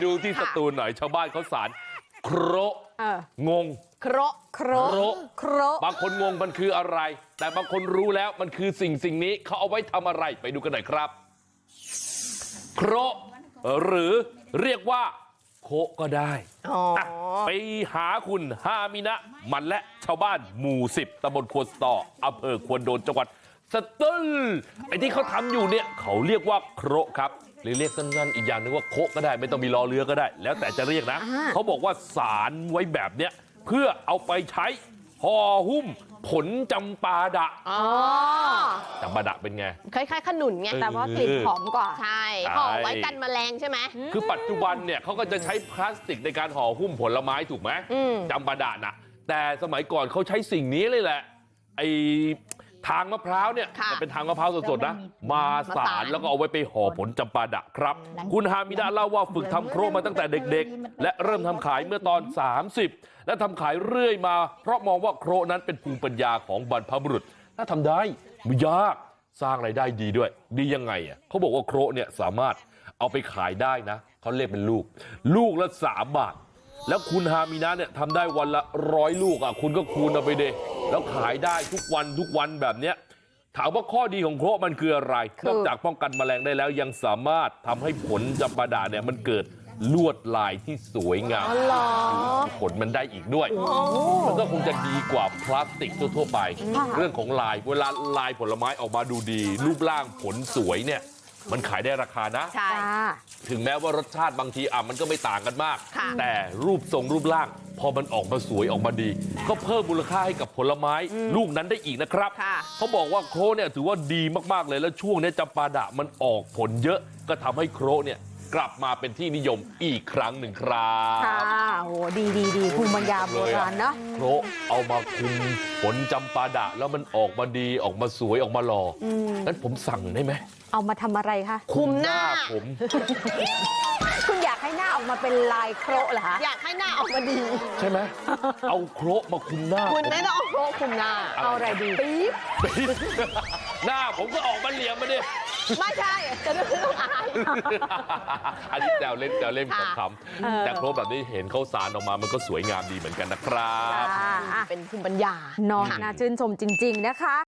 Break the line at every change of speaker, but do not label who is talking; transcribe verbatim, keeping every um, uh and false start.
ดูที่สตูลหน่อยชาวบ้านเขาสารโคระงง
โคระโคระโคระ
บางคนงงมันคืออะไรแต่บางคนรู้แล้วมันคือสิ่งสิ่งนี้เขาเอาไว้ทำอะไรไปดูกันหน่อยครับโคระหรือเรียกว่าโคก็ได้ไปหาคุณฮามินะมันและชาวบ้านหมู่สิบตำบลควนสตออำเภอควนโดนจังหวัดสตูลไอ้ที่เขาทำอยู่เนี่ยเขาเรียกว่าโคระครับหรือเรียกสั้นๆอีกอย่างนึงว่าโคก็ได้ไม่ต้องมีรอเรือก็ได้แล้วแต่จะเรียกนะเขาบอกว่าสารไว้แบบเนี้ยเพื่อเอาไปใช้ห่อหุ้มผลจำปาดะจำปาดะเป็นไง
คล้ายๆขนุนไงแต่ว่ากลิ่นหอมกว่าใช่ห่อไว้กันแมลงใช่ไหม
คือปัจจุบันเนี่ยเขาก็จะใช้พลาสติกในการห่อหุ้มผลไม้ถูกไหมจำปาดะนะแต่สมัยก่อนเขาใช้สิ่งนี้เลยแหละไอ้ทางมะพร้าวเนี่ยเป็นทางมะพร้าวสดๆนะมาสารแล้วก็เอาไว้ไปห่อผลจำปาดะครับคุณฮามิดะเล่าว่าฝึกทำโครมาตั้งแต่เด็กๆและเริ่มทำขายเมื่อตอนสามสิบและทำขายเรื่อยมาเพราะมองว่าโครนั้นเป็นภูมิปัญญาของบรรพบุรุษถ้าทำได้ไม่ยากสร้างรายได้ดีด้วยดียังไงอ่ะเขาบอกว่าโครเนี่ยสามารถเอาไปขายได้นะเขาเรียกเป็นลูกลูกละสามบาทแล้วคุณฮามินะเนี่ยทำได้วันละร้อยลูกอ่ะคุณก็คูณเอาไปเดแล้วขายได้ทุกวันทุกวันแบบเนี้ยถามว่าข้อดีของโครมันคืออะไรนอกจากป้องกันแมลงได้แล้วยังสามารถทำให้ผลจำปาดะเนี่ยมันเกิดลวดลายที่สวยงามผลมันได้อีกด้วยมันก็คงจะดีกว่าพลาสติกทั่วๆไปเรื่องของลายเวลาลายผลไม้ออกมาดูดีรูปร่างผลสวยเนี่ยมันขายได้ราคานะถึงแม้ว่ารสชาติบางทีอ่ะมันก็ไม่ต่างกันมากแต่รูปทรงรูปร่างพอมันออกมาสวยออกมาดีก็เพิ่มมูลค่าให้กับผลไม้ลูกนั้นได้อีกนะครับเขาบอกว่าโครเนี่ยถือว่าดีมากๆเลยแล้วช่วงนี้จำปาดะมันออกผลเยอะก็ทำให้โครเนี่ยกลับมาเป็นที่นิยมอีกครั้งหนึ่งครับ
ค่ะโอ้ดีดีดีภูมิปัญญาโบราณนะ
โครเอามาคุมผลจำปาดะแล้วมันออกมาดีออกมาสวยออกมาหล่องั้นผมสั่งได้ไหม
เอามาทำอะไรคะ
คุมหน้าผม
คุณอยากให้หน้าออกมาเป็นลายโครเหรอคะ
อยากให้หน้าออกมาดี
ใช่ไหมเอาโครมาคุมหน้า
คุณไม่ต้องเอาโครคุมหน้า
เอาอะไรดีปี๊บ
หน้าผมก็ออกมาเหลี่ยมมาดิ
ไม่ใช่จะไม่ต้องอาย
อันนี้แซวเล่นแซวเล่นขำๆแต่โครแบบนี้เห็นเขาสารออกมามันก็สวยงามดีเหมือนกันนะครับ
เป็นภูมิปัญญา
น้องน่าชื่นชมจริงๆนะคะ